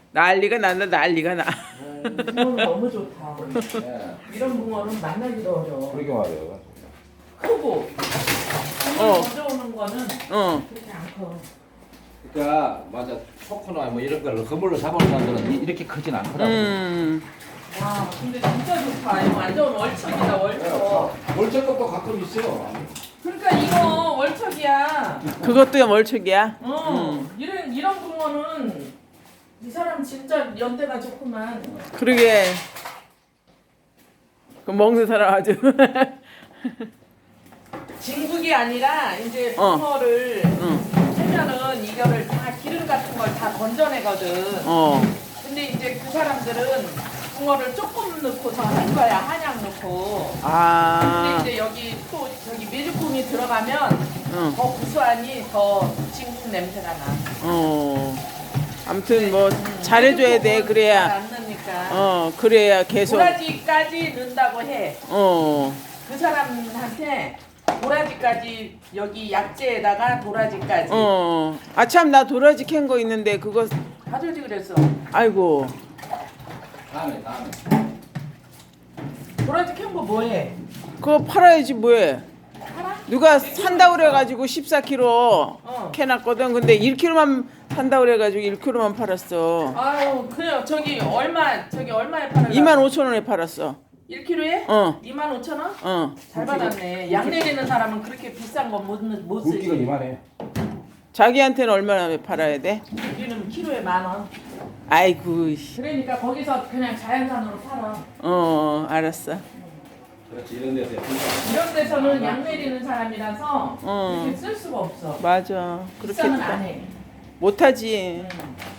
난리가 난다 난리가 나. 붕어는 너무 좋다. 예. 이런 붕어는 만나기도 어려워. 그러게 말이에요. 크고 먼저 오는 거는 어. 그렇게 안 커. 그러니까 맞아 초코나 뭐 이런 걸 그물로 잡아놓은 사람들은 이렇게 크진 않더라고. 와 근데 진짜 좋다. 이거 완전 월척이다 월척. 월척도 가끔 있어. 그러니까 이거 월척이야. 그것도 멀척이야. 이런 붕어는 이 사람 진짜 연대가 좋구만. 그러게. 그 먹는 사람 아주. 진국이 아니라 이제 어. 붕어를 응. 하면은 이거를 다 기름 같은 걸 다 건져내거든. 어. 근데 이제 그 사람들은 붕어를 조금 넣고서 한 거야. 한약 넣고. 아. 근데 이제 여기 또 저기 메주콩이 들어가면 응. 더 구수하니 더 진국 냄새가 나. 어. 아무튼 뭐 잘해줘야 돼. 그래야. 안 넣으니까. 어. 그래야 계속. 도라지까지 넣는다고 해. 어. 그 사람한테 도라지까지 여기 약재에다가 도라지까지 어. 아참 나 도라지 캔 거 있는데 그거 가져오지 그랬어. 아이고. 다음에. 도라지 캔 거 뭐해? 그거 팔아야지 뭐해. 팔아? 누가 산다 그래가지고 14kg 어. 캐놨거든. 근데 1kg만 산다 그래가지고 1kg만 팔았어. 아유 그래요. 저기 얼마에 팔아? 25,000원에 팔았어. 1kg에? 어. 25,000원? 어. 잘 받았네. 양 내리는 사람은 그렇게 비싼 거 못 굵기가 쓰지. 이만해. 자기한테는 얼마나 팔아야 돼? 우리는 키로에 10,000원. 아이고. 씨. 그러니까 거기서 그냥 자연산으로 팔아. 어, 알았어. 그렇지 이런 데서 이런 데서는 양 내리는 사람이라서 어. 이렇게 쓸 수가 없어. 맞아. 비싸면 안 그렇겠다. 해. 못하지. 응.